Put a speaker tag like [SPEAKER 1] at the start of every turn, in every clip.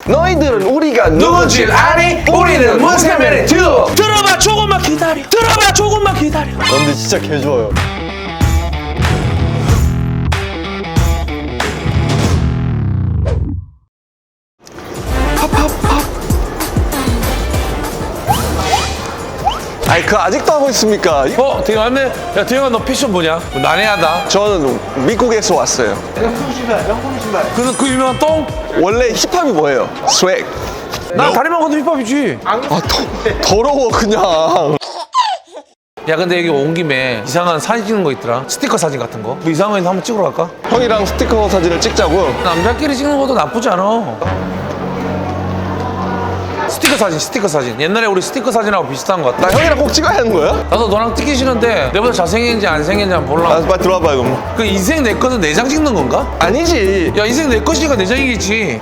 [SPEAKER 1] 너희들은 우리가
[SPEAKER 2] 누군지 아니? 우리는 문세면의 듀오. 들어봐 조금만 기다려. 들어봐 조금만 기다려.
[SPEAKER 3] 근데 진짜 개 좋아요.
[SPEAKER 1] 아니 그 아직도 하고 있습니까?
[SPEAKER 2] 되게 많네. 야 대영아 너 패션 뭐냐? 난해하다.
[SPEAKER 1] 저는 미국에서 왔어요.
[SPEAKER 2] 그래서 그 유명한 똥?
[SPEAKER 1] 원래 힙합이 뭐예요? 스웩.
[SPEAKER 2] 난 다리만 건도 힙합이지.
[SPEAKER 1] 더러워 그냥.
[SPEAKER 2] 야 근데 여기 온 김에 이상한 사진 찍는 거 있더라. 스티커 사진 같은 거. 뭐 이상한 거 한번 찍으러 갈까?
[SPEAKER 1] 형이랑 스티커 사진을 찍자고.
[SPEAKER 2] 남자끼리 찍는 것도 나쁘지 않아. 스티커 사진. 옛날에 우리 스티커 사진하고 비슷한 것 같아.
[SPEAKER 1] 나 형이랑 꼭 찍어야 하는 거야?
[SPEAKER 2] 나도 너랑 찍기 싫은데 내보다 잘생긴지 안 생긴지 한번
[SPEAKER 1] 아,
[SPEAKER 2] 몰라.
[SPEAKER 1] 빨리 들어와봐 그럼.
[SPEAKER 2] 그 인생 내 거는 내장 찍는 건가?
[SPEAKER 1] 아니지.
[SPEAKER 2] 야 인생 내 것이니까 내장이겠지.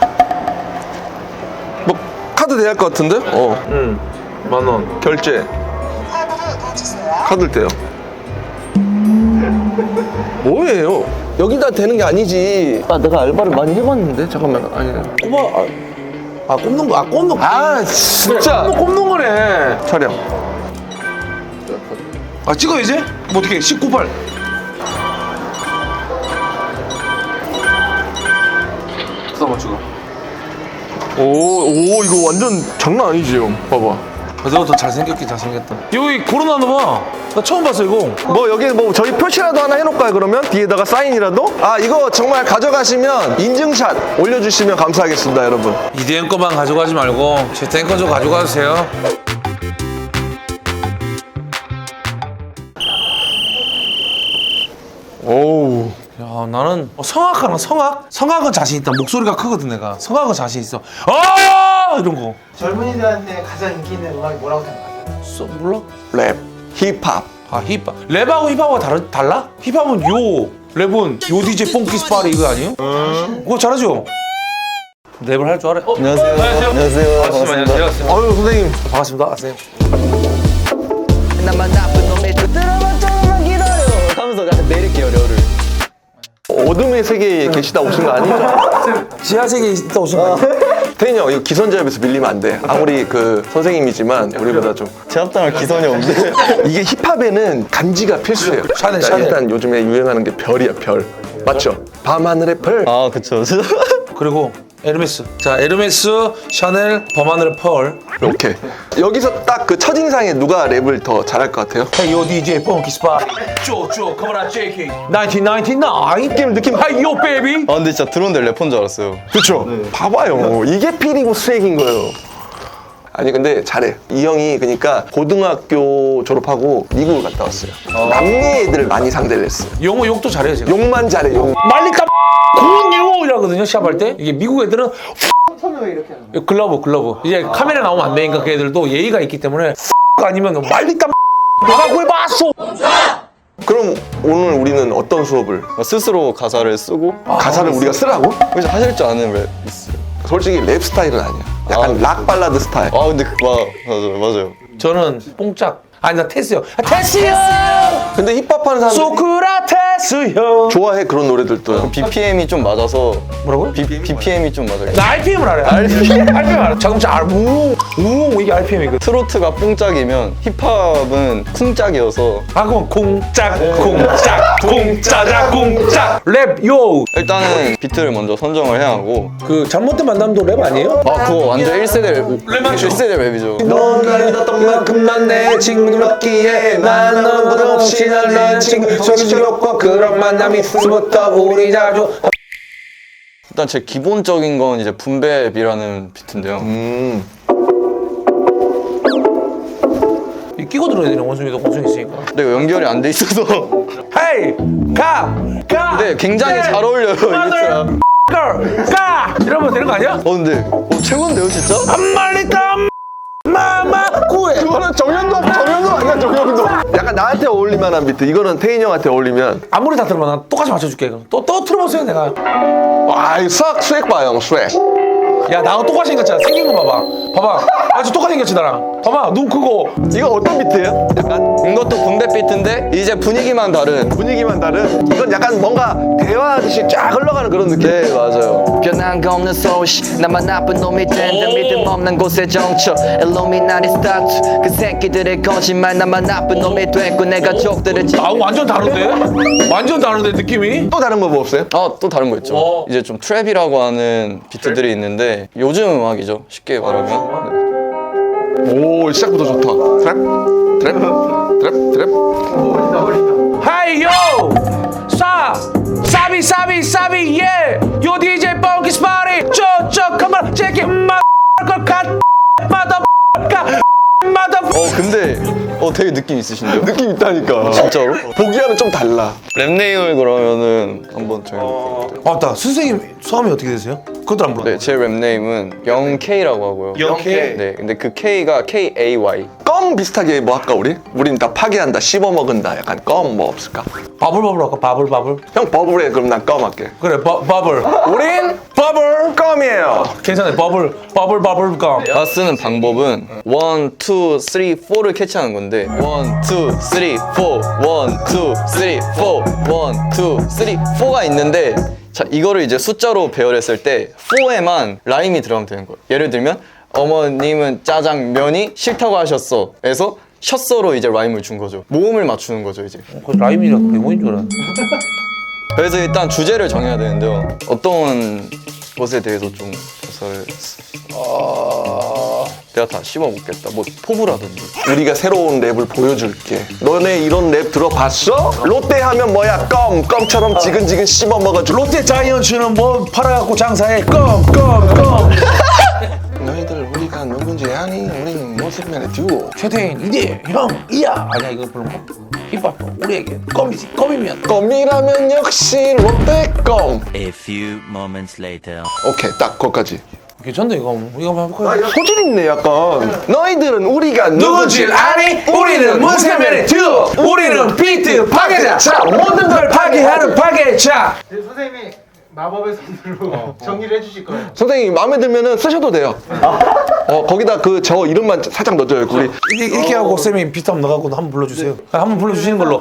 [SPEAKER 1] 뭐 카드 대할 것 같은데?
[SPEAKER 2] 응. 10,000원.
[SPEAKER 1] 결제. 카드를 떼요. 뭐예요? 여기다 대는 게 아니지. 아 내가 알바를 많이 해봤는데 잠깐만. 아니.
[SPEAKER 2] 꼽는 거. 꼽는 거.
[SPEAKER 1] 아 진짜.
[SPEAKER 2] 꼽는 거네.
[SPEAKER 1] 촬영.
[SPEAKER 2] 찍어 이제? 뭐 어떻게 19팔. 잠깐만 찍어.
[SPEAKER 1] 오 이거 완전 장난 아니지 형. 봐봐.
[SPEAKER 2] 너도 잘생겼긴 잘생겼다. 여기 걸어놨나 봐. 나 처음 봤어 이거.
[SPEAKER 1] 뭐 여기 뭐 저희 표시라도 하나 해놓을까요 그러면? 뒤에다가 사인이라도? 아 이거 정말 가져가시면 인증샷 올려주시면 감사하겠습니다 여러분.
[SPEAKER 2] 이대현 거만 가져가지 말고 제 탱커 좀 가져가주세요.
[SPEAKER 1] 오우.
[SPEAKER 2] 야 나는 성악하나 성악? 성악은 자신 있다. 목소리가 크거든 내가. 성악은 자신 있어. 아 이런 거.
[SPEAKER 4] 젊은이들한테 가장 인기 있는 음악이 뭐라고 생각하세요?
[SPEAKER 2] 몰라?
[SPEAKER 1] 랩, 힙합.
[SPEAKER 2] 아 힙합. 랩하고 힙합하고 달라? 힙합은 요, 랩은 요 DJ 뽕키 스파리 이거 아니에요? 그거 잘하죠? 랩을 할 줄 알아요?
[SPEAKER 3] 안녕하세요. 안녕하세요. 반갑습니다.
[SPEAKER 1] 아유 선생님.
[SPEAKER 2] 반갑습니다. 선생님.
[SPEAKER 3] 나만 나쁜 놈의 들어봐 조금만 기다려 하면서 약간 내릴게요 려를.
[SPEAKER 1] 어둠의 세계에 계시다 오신 거 아니죠?
[SPEAKER 2] 지하세계에 있다 오신 거 아니에요?
[SPEAKER 1] 태인이 형 이거 기선제압에서 밀리면 안 돼. 아무리 그 선생님이지만 우리보다 좀.
[SPEAKER 3] 제압당할 기선이 없는데.
[SPEAKER 1] 이게 힙합에는 간지가 필수예요.
[SPEAKER 2] 샤넬,
[SPEAKER 1] 일단,
[SPEAKER 2] 샤넬.
[SPEAKER 1] 일단 요즘에 유행하는 게 별이야 별. 맞죠? 밤하늘의 별.
[SPEAKER 3] 아 그쵸.
[SPEAKER 2] 그리고 에르메스. 자 에르메스, 샤넬, 범하늘의 펄.
[SPEAKER 1] 이렇게. 여기서 딱 그 첫인상에 누가 랩을 더 잘할 것 같아요?
[SPEAKER 2] Hey yo DJ 뽕키 스파리. 쪼쪼 come on JK. 1999.
[SPEAKER 1] 느낌.
[SPEAKER 2] Hey yo baby.
[SPEAKER 3] 아 근데 진짜 들어온데 래퍼인 줄 알았어요.
[SPEAKER 1] 그쵸? 봐봐요. 이게 필이고 스웩인 거예요. 아니 근데 잘해. 이 형이 그러니까 고등학교 졸업하고 미국을 갔다 왔어요. 남미 애들 많이 상대를 했어요.
[SPEAKER 2] 영어 욕도 잘해요 제가.
[SPEAKER 1] 욕만 잘해. 욕.
[SPEAKER 2] 말리까 고요 이라거든요 시합할 때. 이게 미국 애들은
[SPEAKER 4] 손을 왜 이렇게 하는 거예요?
[SPEAKER 2] 글러브. 이제 카메라 나오면 안 되니까 그 애들도 예의가 있기 때문에 아니면 말리까 내가 구해봤어.
[SPEAKER 1] 그럼 오늘 우리는 어떤 수업을?
[SPEAKER 3] 스스로 가사를 쓰고
[SPEAKER 1] 가사를 우리가 쓰라고?
[SPEAKER 3] 혹시 하실 줄 아는 랩 있어요?
[SPEAKER 1] 솔직히 랩 스타일은 아니야. 약간 락 발라드 스타일.
[SPEAKER 3] 아 근데 맞아요.
[SPEAKER 2] 저는 뽕짝. 아니 나 테스요. 테스요.
[SPEAKER 1] 근데 힙합하는 사람들
[SPEAKER 2] 소크라테스요.
[SPEAKER 1] 좋아해 그런 노래들도.
[SPEAKER 3] BPM이 좀 맞아서
[SPEAKER 2] 뭐라고요?
[SPEAKER 3] BPM이 좀 맞아요.
[SPEAKER 2] 나 RPM을 알아요. RPM 알아. 자동차 우웅 이게 RPM이거든.
[SPEAKER 3] 트로트가 뽕짝이면 힙합은 쿵짝이어서
[SPEAKER 2] 그럼 공짝 공짜자 공짝 랩요.
[SPEAKER 3] 일단은 비트를 먼저 선정을 해야 하고
[SPEAKER 2] 그 잘못된 만남도 랩 아니에요?
[SPEAKER 3] 그거 완전 1세대
[SPEAKER 2] 랩 맞죠?
[SPEAKER 3] 1세대 랩이죠.
[SPEAKER 1] 넌 나를 뒀던 만큼만 내 친구들 없기에 나는 너보다 없이 난 친구 소리스럽고 그런 만남이 있음부터 우리 자주.
[SPEAKER 3] 일단 제 기본적인 건 이제 붐베비라는 비트인데요.
[SPEAKER 2] 이 끼고 들어야 되네 원숭이도 원숭이 있으니까.
[SPEAKER 3] 근데 이거 연결이 안 돼 있어서
[SPEAKER 2] 헤이 가
[SPEAKER 3] 근데 굉장히 잘 어울려요 이 비트가.
[SPEAKER 2] 가 이러면 되는 거 아니야?
[SPEAKER 3] 근데 최고인데요 진짜?
[SPEAKER 2] 한 마리 땀 마마 구해.
[SPEAKER 1] 그거는 정현도 아니야 정현도. 약간 나한테 어울릴만한 비트. 이거는 태인 형한테 어울리면.
[SPEAKER 2] 아무리 다 들으면 난 똑같이 맞춰줄게. 그럼 또 틀어보세요 내가.
[SPEAKER 1] 와 이거 스웩 봐 형 스웩.
[SPEAKER 2] 야 나하고 똑같이 생겼잖아. 생긴 거 봐봐. 아 저 똑같이 생겼지 나랑. 봐봐 눈 크고.
[SPEAKER 1] 이거 어떤 비트예요? 약간
[SPEAKER 3] 이것도 분배 비트인데 이제 분위기만 다른.
[SPEAKER 1] 분위기만 다른. 이건 약간 뭔가 대화하듯이 쫙 흘러가는 그런 느낌.
[SPEAKER 3] 네, 맞아요.
[SPEAKER 5] 변한 거 없는 소시 나만 나쁜 놈이 된다 믿음 없는 곳에 정쳐 일루미나리 스타트 그 새끼들의 거짓말 나만 나쁜 놈이 됐고 내 가족들을
[SPEAKER 2] 아 완전 다른데? 완전 다른데 느낌이?
[SPEAKER 1] 또 다른 거 뭐 없어요?
[SPEAKER 3] 또 다른 거 있죠. 이제 좀 트랩이라고 하는 비트들이 있는데 요즘 음악이죠. 쉽게 말하면.
[SPEAKER 1] 오, 시작부터 좋다. 트랩.
[SPEAKER 2] 하이 요! 사비 예! 요 DJ 펑키 스파리 저저 컴온 제키
[SPEAKER 3] 근데 되게 느낌 있으신데요?
[SPEAKER 1] 느낌 있다니까.
[SPEAKER 3] 진짜로?
[SPEAKER 1] 보기와는 좀 달라.
[SPEAKER 3] 랩네임을 그러면은 한번 정해볼게요.
[SPEAKER 2] 맞다 선생님 성함이 어떻게 되세요? 그것도 안 물어.
[SPEAKER 3] 네, 제 랩네임은 영K라고 하고요.
[SPEAKER 1] 영K.
[SPEAKER 3] 네, 근데 그 K가 KAY.
[SPEAKER 1] 껌 비슷하게 뭐 할까 우리? 우린 다 파괴한다, 씹어먹은다. 약간 껌 뭐 없을까?
[SPEAKER 2] 바블 할까? 바블.
[SPEAKER 1] 형 버블해. 그럼 난 껌 할게.
[SPEAKER 2] 그래 바블.
[SPEAKER 1] 우린
[SPEAKER 2] 바블.
[SPEAKER 1] 껌이에요.
[SPEAKER 2] 괜찮아요. 바블 감.
[SPEAKER 3] 쓰는 방법은 1, 2, 3, 4를 캐치하는 건데 1, 2, 3, 4, 1, 2, 3, 4, 1, 2, 3, 4가 있는데 자 이거를 이제 숫자로 배열했을 때 4에만 라임이 들어가면 되는 거예요. 예를 들면 어머님은 짜장면이 싫다고 하셨어 에서 셨어로 이제 라임을 준 거죠. 모음을 맞추는 거죠 이제.
[SPEAKER 2] 그 라임이라 외모인 줄 알았네.
[SPEAKER 3] 그래서 일단 주제를 정해야 되는데요. 어떤 것에 대해서 좀 조사를 내가 다 씹어먹겠다. 뭐 포부라든지.
[SPEAKER 1] 우리가 새로운 랩을 보여줄게. 너네 이런 랩 들어봤어? 롯데 하면 뭐야? 껌처럼 지근지근 씹어먹어줘.
[SPEAKER 2] 롯데 자이언츠는 뭐 팔아갖고 장사해. 껌.
[SPEAKER 1] 너희들 우리가 누군지 아니? 우리는 모습면의 듀오.
[SPEAKER 2] 최태인 이대 형 이야. 아니야 이거 별로 힙합 우리에게 껌이면.
[SPEAKER 1] 껌이라면 역시 롯데 껌.
[SPEAKER 6] A few moments later.
[SPEAKER 1] 오케이, 딱 거기까지.
[SPEAKER 2] 괜찮네 이거 한번 해볼까요?
[SPEAKER 1] 소질 있네 약간. 너희들은 우리가
[SPEAKER 2] 누군지 아니? 우리는 문세면의 듀오. 우리는 비트 파괴자. 자 모든 걸 파괴하는 파괴자.
[SPEAKER 4] 선생님이 마법의 손으로 정리를 해주실 거예요.
[SPEAKER 1] 선생님 마음에 들면은 쓰셔도 돼요. 거기다 그 저 이름만 살짝 넣어줘요. 우리
[SPEAKER 2] 이렇게 하고 쌤이 비트 한번 넣어갖고 한번 불러주세요. 한번 불러주시는 걸로.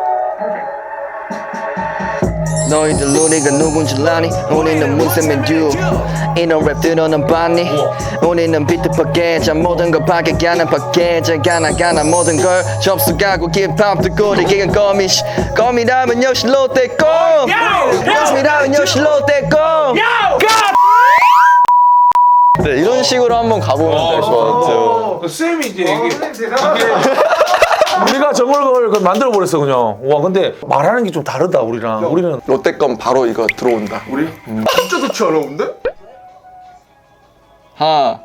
[SPEAKER 5] 너희들 우리가 누군지 아니 우리는 문세면 듀오 이런 랩들어는 봤니 우리는 비트 파괴자 모든 걸 파괴게 하는 파괴자 가나 모든 걸 접속하고 힙합 듣고 이기는 껌이라면 역시 롯데 껌이라면 역시 롯데 껌
[SPEAKER 3] 네, 이런 식으로 한번 가보면 될 것 같아요.
[SPEAKER 2] 쌤이 이제
[SPEAKER 4] 선생님 대단하다.
[SPEAKER 2] 우리가 저걸 만들어 버렸어 그냥. 와 근데 말하는 게 좀 다르다 우리랑. 우리는
[SPEAKER 1] 롯데 껌 바로 이거 들어온다. 우리? 진짜 좋지 않아 근데?
[SPEAKER 3] 하나,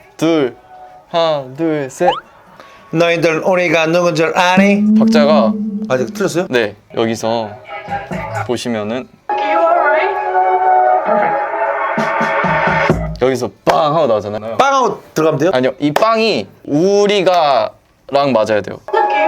[SPEAKER 3] 둘, 셋.
[SPEAKER 2] 너희들 우리가 누군 줄 아니?
[SPEAKER 3] 박자가
[SPEAKER 2] 아직 틀렸어요?
[SPEAKER 3] 네, 여기서 보시면은 여기서 빵 하고 나오잖아요.
[SPEAKER 2] 빵하고 들어가면 돼요?
[SPEAKER 3] 아니요, 이 빵이 우리가랑 맞아야 돼요.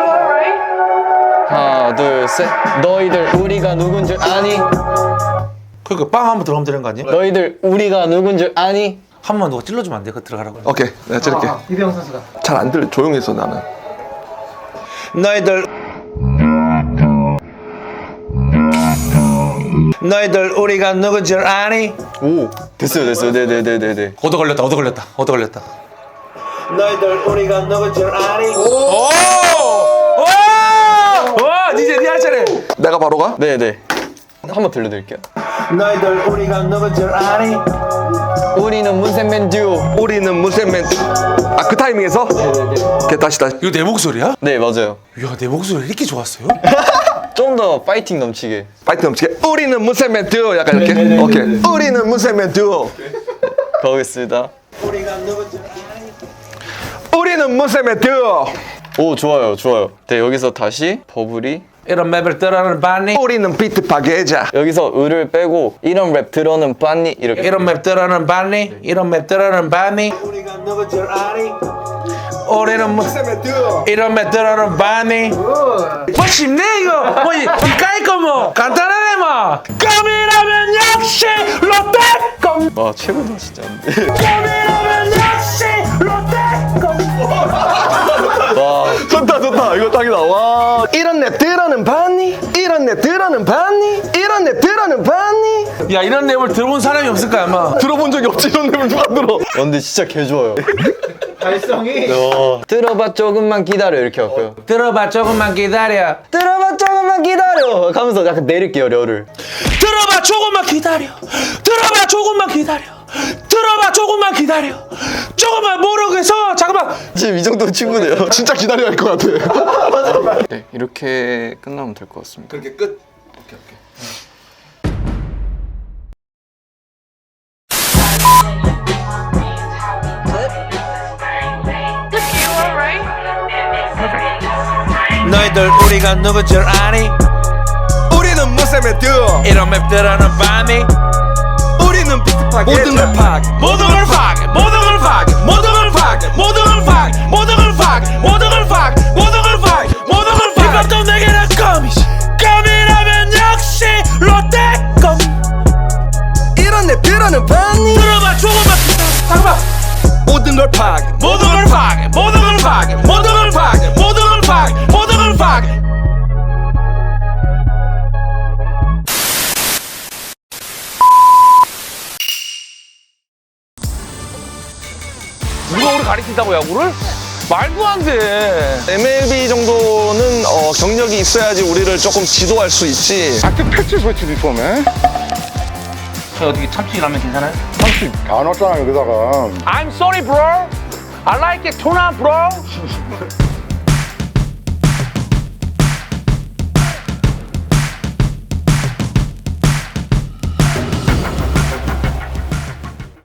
[SPEAKER 3] 하나, 둘, 셋. 너희들 우리가 누군 줄 아니?
[SPEAKER 2] 그러니까 빵 한번 들어가면 되는 거 아니에요?
[SPEAKER 3] 너희들 우리가 누군 줄 아니?
[SPEAKER 2] 한 번만 누가 찔러주면 안 돼? 그거 들어가라고.
[SPEAKER 1] 오케이, 내가 찌를게.
[SPEAKER 4] 이대영 선수가.
[SPEAKER 1] 잘 안 들려. 조용해서 나는.
[SPEAKER 2] 너희들 우리가 누군 줄 아니?
[SPEAKER 3] 오, 됐어요. 네네네네네.
[SPEAKER 2] 얻어 걸렸다. 너희들 우리가 누군 줄 아니? 와 이제 네 할 차례.
[SPEAKER 1] 내가 바로 가?
[SPEAKER 3] 네네. 한번 들려드릴게요.
[SPEAKER 2] 너희들 우리가 누군 줄 아니?
[SPEAKER 3] 우리는 문센맨 듀오.
[SPEAKER 1] 우리는 무쇠맨. 그 타이밍에서? 오케이, 다시.
[SPEAKER 2] 이거 내 목소리야?
[SPEAKER 3] 네, 맞아요.
[SPEAKER 2] 이야 내 목소리 이렇게 좋았어요?
[SPEAKER 3] 좀 더 파이팅 넘치게.
[SPEAKER 1] 파이트 넘치게. 우리는 무쇠맨 듀오. 약간 이렇게. 오케이. 우리는 무쇠맨 듀오.
[SPEAKER 3] 가보겠습니다.
[SPEAKER 1] 우리는 무쇠맨 듀오.
[SPEAKER 3] 오, 좋아요. 네, 여기서 다시 버블이
[SPEAKER 2] 이런 맵을 따라하는 반니.
[SPEAKER 1] 우리는 비트 파괴자.
[SPEAKER 3] 여기서 을을 빼고 이런 랩 들어는 빤니 이렇게.
[SPEAKER 2] 이런 맵 따라하는 반니. 이런 맵 따라하는 반니. 우리는
[SPEAKER 1] 무쇠맨 듀오.
[SPEAKER 2] 이런 맵 따라하는 반니. 뭐 쉽네 이거. 뭐 이까이 거뭐 간단하네 뭐. 껌이라면 역시 롯데 껌.
[SPEAKER 3] 와, 최고다 진짜.
[SPEAKER 2] 껌이라면 역시 롯데 껌.
[SPEAKER 1] 딱 나와. 이런 내 들어는 봤니? 이런 내 들어는 봤니? 이런 내 들어는 봤니?
[SPEAKER 2] 야 이런 랩을 들어본 사람이 없을 거야 아마.
[SPEAKER 1] 들어본 적이 없지 이런 랩을 누가 들어?
[SPEAKER 3] 근데 진짜 개 좋아요.
[SPEAKER 4] 발성이
[SPEAKER 3] 들어봐 조금만 기다려 이렇게 할고요.
[SPEAKER 2] 들어봐 조금만 기다려.
[SPEAKER 3] 들어봐 조금만 기다려 하면서 약간 내릴게요 려를.
[SPEAKER 2] 들어봐 조금만 기다려. 들어봐 조금만 기다려. 들어봐 조금만 기다려. 조금만 모르겠어. 잠깐만.
[SPEAKER 3] 지금 이 정도 친구네요.
[SPEAKER 1] 진짜 기다려야 할 것 같아.
[SPEAKER 3] 네 이렇게 끝나면 될 것 같습니다.
[SPEAKER 1] 그렇게 끝.
[SPEAKER 2] 너희들 우리가 누군 줄 아니?
[SPEAKER 1] 우리는 무쌤의 듀.
[SPEAKER 2] 이런 맵들하는 밤이
[SPEAKER 1] 우리는 비트파게.
[SPEAKER 2] 모든 걸 파괴 모든 걸 파괴 모든 걸 파괴 모든 걸 파괴 모든 걸 파괴 모든 걸 파괴 모든 걸 파괴 모든 걸 파괴 모든 걸 파괴 힙합도 내게는 껌이지 껌이라면 역시 롯데껌
[SPEAKER 1] 이런 내 들어는 봤니?
[SPEAKER 2] 들어봐 조금만 잠깐만
[SPEAKER 1] 모든 걸 파괴.
[SPEAKER 2] 모든 걸 파괴 모든 걸 파괴 모든 걸 파괴 모든 걸 파괴 모든 걸 파괴 누가 우리 가리킨다고 야구를? 말도 안 돼.
[SPEAKER 1] MLB 정도는 경력이 있어야지 우리를 조금 지도할 수 있지.
[SPEAKER 7] I took pictures with you before, man.
[SPEAKER 2] 저 어떻게 참치라면 괜찮아요?
[SPEAKER 7] 참치 다 넣었잖아, 여기다가.
[SPEAKER 2] I'm sorry, bro. I like it tuna, bro.